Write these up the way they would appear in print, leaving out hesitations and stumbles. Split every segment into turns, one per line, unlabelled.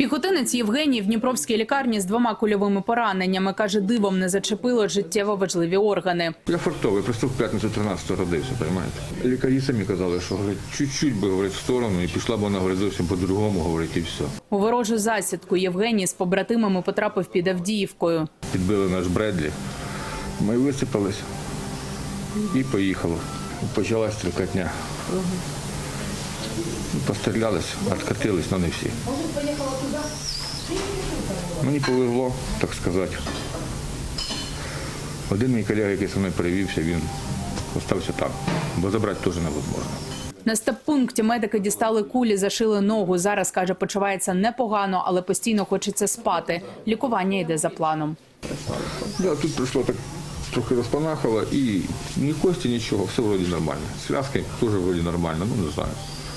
Піхотинець Євгеній в Дніпровській лікарні з 2 кульовими пораненнями. Каже, дивом не зачепило життєво важливі органи.
Я фартовий, просто в п'ятницю 13-го родився, розумієте? Лікарі самі казали, що чуть-чуть би, говорить, в сторону, і пішла б вона, говорить, зовсім по-другому, говорить, і все.
У ворожу засідку Євгеній з побратимами потрапив під Авдіївкою.
Підбили наш Бредлі, ми висипалися і поїхало. Почалась стрілкотня. Пострілялись, откатились, але не всі. Мені повезло, так сказати. Один мій колега, який зі мною перевівся, він залишився там, бо забрати теж невозможно.
На стаб-пункті медики дістали кулі, зашили ногу. Зараз, каже, почувається непогано, але постійно хочеться спати. Лікування йде за планом.
Да, тут прийшло так, трохи розпанахало, і ні кості, нічого, все вроді нормально. Зв'язки теж вроді нормально, ну не знаю.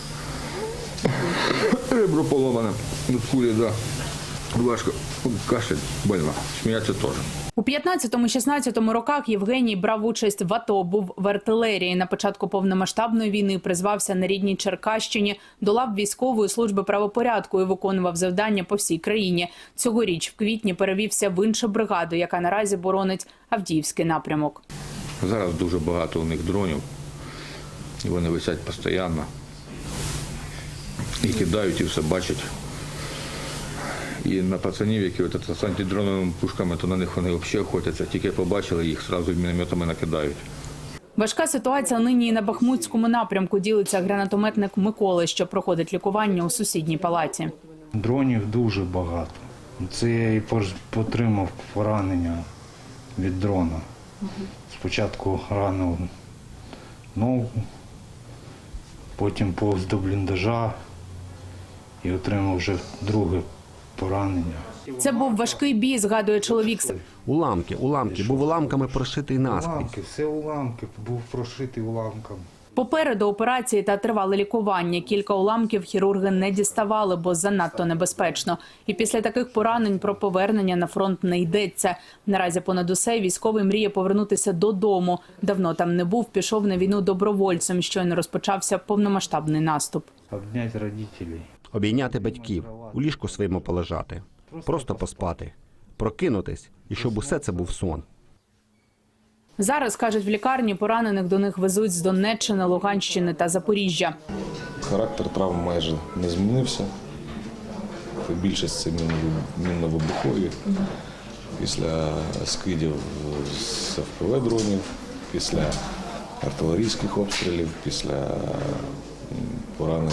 Ребро поломане, тут кулі, да. Важко, кашель, больно, сміятися теж.
У 15-16 роках Євгеній брав участь в АТО, був в артилерії. На початку повномасштабної війни призвався на рідній Черкащині, до лав військової служби правопорядку і виконував завдання по всій країні. Цьогоріч в квітні перевівся в іншу бригаду, яка наразі боронить Авдіївський напрямок.
Зараз дуже багато у них дронів, і вони висять постійно. І кидають, і все бачать. І на пацанів, які з антидроновими пушками, то на них вони взагалі охотяться. Тільки побачили, їх одразу мінометами накидають.
Важка ситуація нині і на Бахмутському напрямку, ділиться гранатометник Микола, що проходить лікування у сусідній палаті.
Дронів дуже багато. Це я і отримав поранення від дрона. Спочатку ранив ногу, потім повз до бліндажа і отримав вже друге поранення.
Це був важкий бій, згадує чоловік.
Уламки, був уламками прошитий наскрізь.
Уламки, все уламки, був прошитий уламком.
Попереду операції та тривале лікування. Кілька уламків хірурги не діставали, бо занадто небезпечно. І після таких поранень про повернення на фронт не йдеться. Наразі понад усе військовий мріє повернутися додому. Давно там не був, пішов на війну добровольцем, щойно розпочався повномасштабний наступ.
Обняти родителей.
Обійняти батьків, у ліжку своєму полежати, просто поспати, прокинутись, і щоб усе це був сон.
Зараз, кажуть, в лікарні поранених до них везуть з Донеччини, Луганщини та Запоріжжя.
Характер травм майже не змінився. Більшість це мінно-вибухові. Після скидів з ФПВ-дронів, після артилерійських обстрілів, після поранення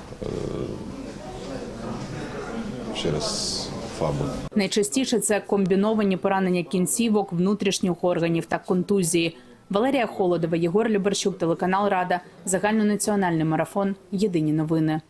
через ФАБу.
Найчастіше це комбіновані поранення кінцівок, внутрішніх органів та контузії. Валерія Холодова, Єгор Любарчук, телеканал Рада, загальнонаціональний марафон. Єдині новини.